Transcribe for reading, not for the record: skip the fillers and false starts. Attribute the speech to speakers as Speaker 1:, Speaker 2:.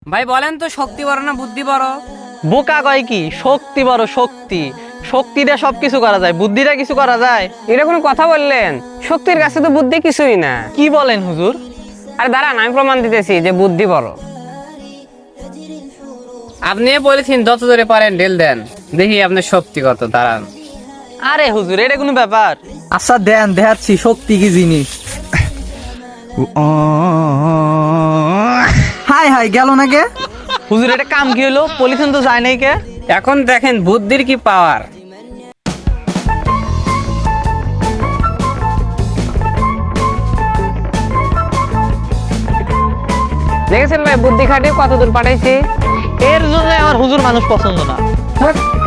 Speaker 1: ভাই বলেন তো শক্তি বড় না বুদ্ধি বড়?
Speaker 2: বোকা কয় কি, শক্তি বড় শক্তি। শক্তি দিয়ে সবকিছু করা যায়, বুদ্ধি দিয়ে কিছু করা যায়?
Speaker 1: এটা কোনো কথা বললেন? শক্তির কাছে তো বুদ্ধি কিছুই না।
Speaker 2: কি বলেন হুজুর?
Speaker 1: আরে দাঁড়ান, আমি প্রমাণ দিতেছি যে বুদ্ধি বড়। আপনি বলেছেন যত জোরে পারেন ঢেল দেন, দেখি আপনার শক্তি কত। দাঁড়ান।
Speaker 2: আরে হুজুর, এটা কোনো ব্যাপার?
Speaker 3: আচ্ছা দেন, দেখাচ্ছি শক্তি কি জিনিস। হাই হাই গেল না কে?
Speaker 2: হুজুর এটা কাম কি হলো? পলিথিন তো যায় নাই কে?
Speaker 1: এখন দেখেন বুদ্ধির কি পাওয়ার। দেখেছেন ভাই বুদ্ধি খাটিয়ে কত দূর পাঠাইছি।
Speaker 2: এর জন্য আমার হুজুর মানুষ পছন্দ না।